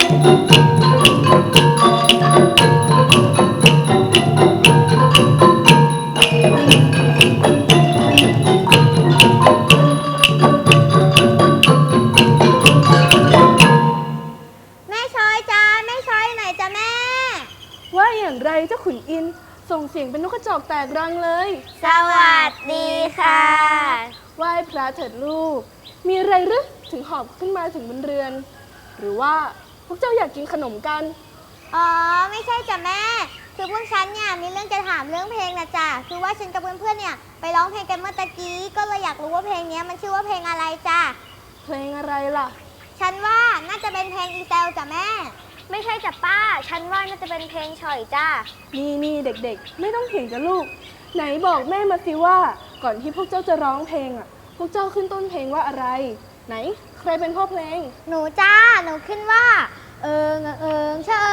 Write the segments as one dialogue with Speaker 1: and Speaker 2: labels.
Speaker 1: แม่ช้อยจ้าแม่ช้อยไหนจ้าแม่
Speaker 2: ว่าอย่างไรเจ้าขุนอินทร์ส่งเสียงเป็นนกกระจอกแตกรังเลย
Speaker 1: สวัสดีค่ะ
Speaker 2: ไหว้พระเถิดลูกมีอะไรหรือถึงหอบขึ้นมาถึงบนเรือนหรือว่าพวกเจ้าอยากกินขนมกัน
Speaker 1: อ๋อไม่ใช่จ้ะแม่คือพวกฉันเนี่ยมีเรื่องจะถามเรื่องเพลงนะจ้ะคือว่าฉันกับเพื่อนๆเนี่ยไปร้องเพลงกันเมื่อตะกี้ก็เลยอยากรู้ว่าเพลงนี้มันชื่อว่าเพลงอะไรจ้ะ
Speaker 2: เพลงอะไรล่ะ
Speaker 1: ฉันว่าน่าจะเป็นเพลงอีเซลจ้ะแม่ไม่ใช่จ้ะป้าฉันว่าน่าจะเป็นเพลงฉ่อยจ้ะ
Speaker 2: นี่เด็กๆไม่ต้องเถียงกันลูกไหนบอกแม่มาสิว่าก่อนที่พวกเจ้าจะร้องเพลงอ่ะพวกเจ้าขึ้นต้นเพลงว่าอะไรไหนใครเป็นพ่อเพลง
Speaker 1: หนูจ้าหนูขึ้นว่าชะ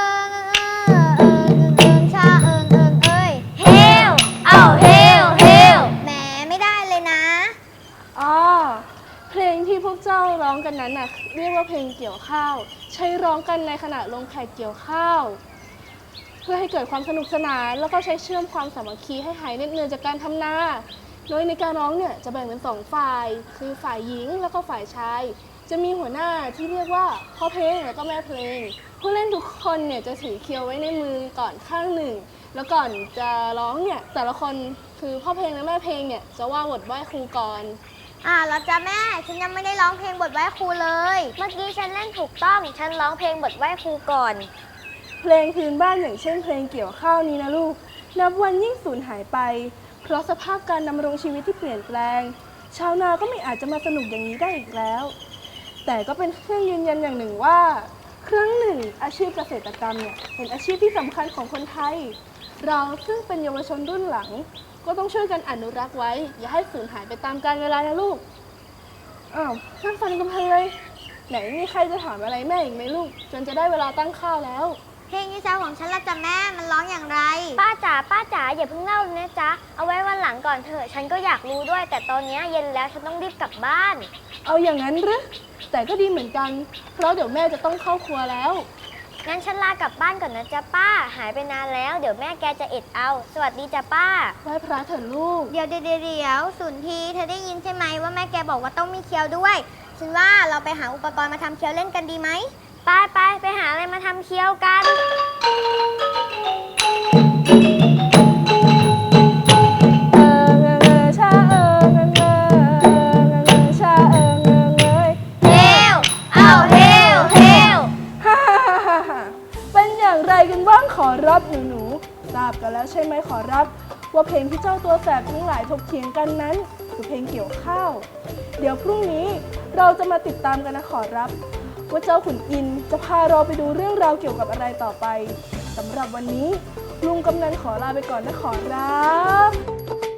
Speaker 1: ชะเอ้ยเฮลเฮลแหมไม่ได้เลยนะ
Speaker 2: อ๋อเพลงที่พวกเจ้าร้องกันนั้นน่ะเรียกว่าเพลงเกี่ยวข้าวใช้ร้องกันในขณะลงแขกเกี่ยวข้าวเพื่อให้เกิดความสนุกสนานแล้วก็ใช้เชื่อมความสามัคคีให้หายเหน็ดเหนื่อยจากการทำนาโดยในการร้องเนี่ยจะแบ่งเป็น2ฝ่ายคือฝ่ายหญิงแล้วก็ฝ่ายชายจะมีหัวหน้าที่เรียกว่าพ่อเพลงแล้วก็แม่เพลงผู้เล่นทุกคนเนี่ยจะถือเคียวไว้ในมือก่อนข้างหนึ่งแล้วก่อนจะร้องเนี่ยแต่ละคนคือพ่อเพลงและแม่เพลงเนี่ยจะว่าบทไหว้ครูก่อน
Speaker 1: แล้วจ้ะแม่ฉันยังไม่ได้ร้องเพลงบทไหว้ครูเลยเมื่อกี้ฉันเล่นถูกต้องฉันร้องเพลงบทไหว้ครูก่อน
Speaker 2: เพลงพื้นบ้านอย่างเช่นเพลงเกี่ยวข้าวนี้นะลูกนับวันยิ่งสูญหายไปเพราะสภาพการดำรงชีวิตที่เปลี่ยนแปลงชาวนาก็ไม่อาจจะมาสนุกอย่างนี้ได้อีกแล้วแต่ก็เป็นเครื่องยืนยันอย่างหนึ่งว่าครั้งหนึ่งอาชีพเกษตรกรรมเนี่ยเป็นอาชีพที่สำคัญของคนไทยเราซึ่งเป็นเยาวชนรุ่นหลังก็ต้องช่วยกันอนุรักษ์ไว้อย่าให้สูญหายไปตามกาลเวลานะลูกนั่งฟังกันเพลินเลยไหนมีใครจะถามอะไรแม่อีกไหมลูกจนจะได้เวลาตั้งข้าวแล้ว
Speaker 1: เพลงอีเซลของฉันละจ้ะแม่มันร้องอย่างไรป้าจ๋าอย่าเพิ่งเล่าเลยนะจ๊ะเอาไว้วันหลังก่อนเถอะฉันก็อยากรู้ด้วยแต่ตอนนี้เย็นแล้วฉันต้องรีบกลับบ้าน
Speaker 2: เอาอย่างนั้นหรือแต่ก็ดีเหมือนกันเพราะเดี๋ยวแม่จะต้องเข้าครัวแล้ว
Speaker 1: งั้นฉันลากลับบ้านก่อนนะจ๊ะป้าหายไปนานแล้วเดี๋ยวแม่แกจะเอ็ดเอาสวัสดีจ้ะป้า
Speaker 2: ไหว้พระเถิดลูก
Speaker 1: เดี๋ยวสุนทีเธอได้ยินใช่ไหมว่าแม่แกบอกว่าต้องมีเคียวด้วยฉันว่าเราไปหาอุปกรณ์มาทำเคียวเล่นกันดีไหมไปหาอะไรมาทำเคียวกัน
Speaker 2: เป็นอย่างไรกันบ้างขอรับหนูทราบกันแล้วใช่ไหมขอรับว่าเพลงที่เจ้าตัวแสบทั้งหลายถกเถียงกันนั้นคือเพลงเกี่ยวข้าวเดี๋ยวพรุ่งนี้เราจะมาติดตามกันนะขอรับว่าเจ้าขุนอินทร์จะพาเราไปดูเรื่องราวเกี่ยวกับอะไรต่อไปสำหรับวันนี้ลุงกำนันขอลาไปก่อนนะขอรับ